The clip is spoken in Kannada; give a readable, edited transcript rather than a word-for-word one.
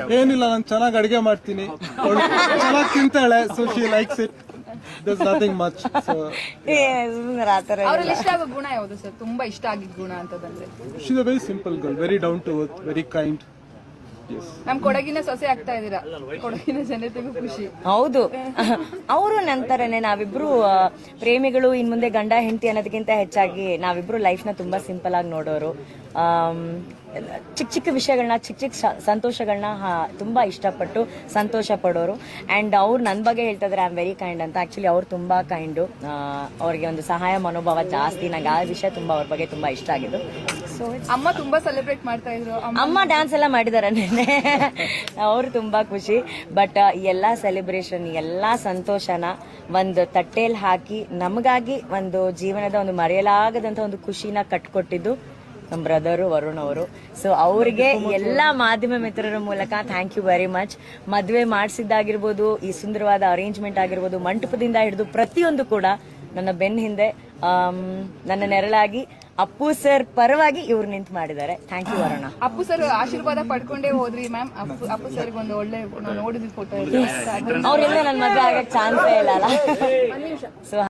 ಏನಿಲ್ಲ, ನಾನು ಚೆನ್ನಾಗಿ ಅಡಿಗೆ ಮಾಡ್ತೀನಿ, ಚೆನ್ನಾಗಿ ತಿಂತಾಳೆ, so she likes it. There's nothing much. So ಅವ್ರಲ್ಲಿ ಇಷ್ಟ ಆಗೋ ಗುಣ ಯಾವುದು ಸರ್? ತುಂಬಾ ಇಷ್ಟ ಆಗಿದ್ದ ಗುಣ ಅಂತಂದ್ರೆ she's a very simple girl, very down to earth, very kind. Yes. ನಮ್ ಕೊಡಗಿನ ಸೊಸೆ ಆಗ್ತಾ ಇದೀರಾ, ಕೊಡಗಿನ ಜನತೆಗೂ ಖುಷಿ. ಹೌದು, ಅವರು ನಂತರನೇ ನಾವಿಬ್ರು ಪ್ರೇಮಿಗಳು. ಇನ್ ಮುಂದೆ ಗಂಡ ಹೆಂಡತಿ ಅನ್ನೋದಕ್ಕಿಂತ ಹೆಚ್ಚಾಗಿ ನಾವಿಬ್ರು ಲೈಫ್ ನ ತುಂಬಾ ಸಿಂಪಲ್ ಆಗಿ ನೋಡೋರು. ಚಿಕ್ಕ ಚಿಕ್ಕ ವಿಷಯಗಳನ್ನ, ಚಿಕ್ಕ ಚಿಕ್ಕ ಸಂತೋಷಗಳನ್ನ ತುಂಬಾ ಇಷ್ಟಪಟ್ಟು ಸಂತೋಷ ಪಡೋರು. ಅಂಡ್ ಅವ್ರು ನನ್ನ ಬಗ್ಗೆ ಹೇಳ್ತಾ ಇದ್ರೆ ಐ ಆಮ್ ವೆರಿ ಕೈಂಡ್ ಅಂತ. ಆಕ್ಚುಲಿ ಅವ್ರು ತುಂಬಾ ಕೈಂಡು, ಅವ್ರಿಗೆ ಒಂದು ಸಹಾಯ ಮನೋಭಾವ ಜಾಸ್ತಿ. ನಂಗೆ ಆ ವಿಷಯ ತುಂಬಾ ಅವ್ರ ಬಗ್ಗೆ ತುಂಬಾ ಇಷ್ಟ ಆಗಿದ್ದು. ಸೊ ಅಮ್ಮ ತುಂಬಾ ಸೆಲೆಬ್ರೇಟ್ ಮಾಡ್ತಾ ಇದ್ರು. ಅಮ್ಮ ಡ್ಯಾನ್ಸ್ ಎಲ್ಲ ಮಾಡಿದಾರೆ ನೆನ್ನೆ, ಅವ್ರು ತುಂಬಾ ಖುಷಿ. ಬಟ್ ಎಲ್ಲಾ ಸೆಲೆಬ್ರೇಷನ್, ಎಲ್ಲಾ ಸಂತೋಷನ ಒಂದು ತಟ್ಟೆಯಲ್ಲಿ ಹಾಕಿ ನಮಗಾಗಿ ಒಂದು ಜೀವನದ ಒಂದು ಮರೆಯಲಾಗದಂತ ಒಂದು ಖುಷಿನ ಕಟ್ಕೊಟ್ಟಿದ್ದು ನಮ್ಮ ಬ್ರದರು ವರುಣ್ ಅವರು. ಸೊ ಅವ್ರಿಗೆ ಎಲ್ಲಾ ಮಾಧ್ಯಮ ಮಿತ್ರರ ಮೂಲಕ ಥ್ಯಾಂಕ್ ಯು ವೆರಿ ಮಚ್. ಮದುವೆ ಮಾಡಿಸಿದ್ದಾಗಿರ್ಬೋದು, ಈ ಸುಂದರವಾದ ಅರೇಂಜ್ಮೆಂಟ್ ಆಗಿರ್ಬೋದು, ಮಂಟಪದಿಂದ ಹಿಡಿದು ಪ್ರತಿಯೊಂದು ಕೂಡ ನನ್ನ ಬೆನ್ನ ಹಿಂದೆ ನನ್ನ ನೆರಳಾಗಿ ಅಪ್ಪು ಸರ್ ಪರವಾಗಿ ಇವ್ರು ನಿಂತು ಮಾಡಿದ್ದಾರೆ. Thank you Varuna. Appu sir ಆಶೀರ್ವಾದ ಪಡ್ಕೊಂಡೇ ಹೋದ್ರಿ ಮ್ಯಾಮ್. ಅಪ್ಪು ಸರ್ ಒಂದು ಒಳ್ಳೆ ನೋಡಿದ ಫೋಟೋ. ಅವ್ರೆಲ್ಲ ನನ್ನ ಮದುವೆ ಆಗಕ್ಕೆ ಚಾನ್ಸೇ ಇಲ್ಲ ಅಲ್ಲ. ಸೊ